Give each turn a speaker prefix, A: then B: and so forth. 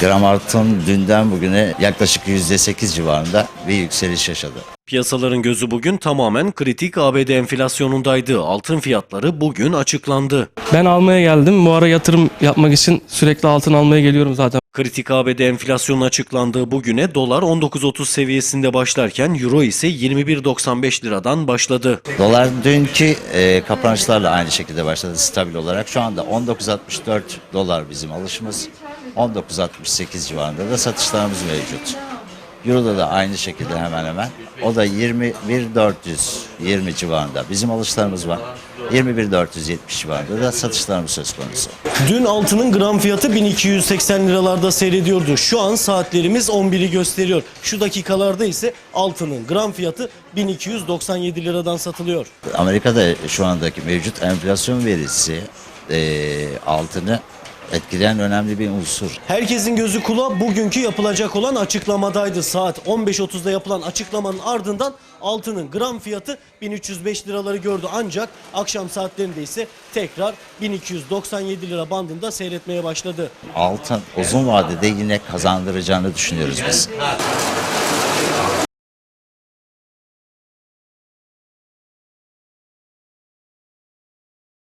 A: Gram altın dünden bugüne yaklaşık %8 civarında bir yükseliş yaşadı.
B: Piyasaların gözü bugün tamamen kritik ABD enflasyonundaydı. Altın fiyatları bugün açıklandı.
C: Ben almaya geldim. Bu ara yatırım yapmak için sürekli altın almaya geliyorum zaten.
B: Kritik ABD enflasyonun açıklandığı bugüne dolar 19.30 seviyesinde başlarken euro ise 21.95 liradan başladı.
A: Dolar dünkü kapanışlarla aynı şekilde başladı stabil olarak. Şu anda 19.64 dolar bizim alışımız. 19.68 civarında da satışlarımız mevcut. Euro'da da aynı şekilde hemen hemen. O da 21.420 civarında bizim alışlarımız var. 21.470 civarında da satışlarımız söz konusu.
B: Dün altının gram fiyatı 1280 liralarda seyrediyordu. Şu an saatlerimiz 11'i gösteriyor. Şu dakikalarda ise altının gram fiyatı 1297 liradan satılıyor.
A: Amerika'da şu andaki mevcut enflasyon verisi altını etkileyen önemli bir unsur.
B: Herkesin gözü kulağı bugünkü yapılacak olan açıklamadaydı. Saat 15.30'da yapılan açıklamanın ardından altının gram fiyatı 1305 liraları gördü. Ancak akşam saatlerinde ise tekrar 1297 lira bandında seyretmeye başladı.
A: Altın uzun vadede yine kazandıracağını düşünüyoruz biz.